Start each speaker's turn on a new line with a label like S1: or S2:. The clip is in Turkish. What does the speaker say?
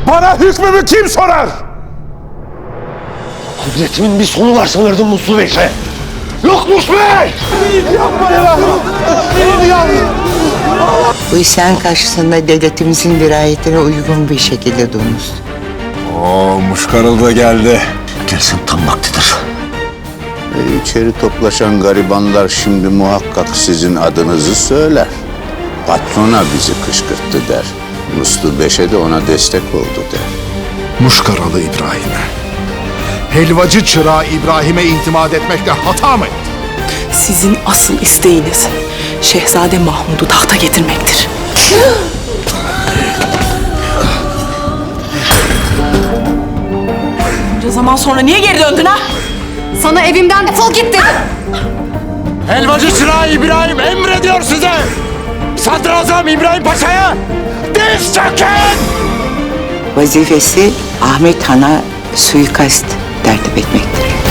S1: Bana hükmümü kim sorar?
S2: Kudretimin bir sonu var sanırdım Muslu Bey'se. Yokmuş be!
S1: Yapma ya!
S3: Bu isyan karşısında devletimizin dirayetine uygun bir şekilde durmuş.
S1: Oo, Muşkaralı da geldi.
S2: Gelsin tam vaktidir.
S4: İçeri toplaşan garibanlar şimdi muhakkak sizin adınızı söyler. Patrona bizi kışkırttı der. Muslu Beş'e de ona destek oldu der.
S1: Muşkaralı İbrahim'e. Helvacı çırağı İbrahim'e itimat etmekle hata mı etti?
S5: Sizin asıl isteğiniz Şehzade Mahmud'u tahta getirmektir. Bunca zaman sonra niye geri döndün ha?
S6: Sana evimden defol git dedim.
S2: Helvacı çırağı İbrahim emrediyor size! Sadrazam İbrahim Paşa'ya diz çökün!
S3: Vazifesi Ahmet Han'a suikast tertip etmektir.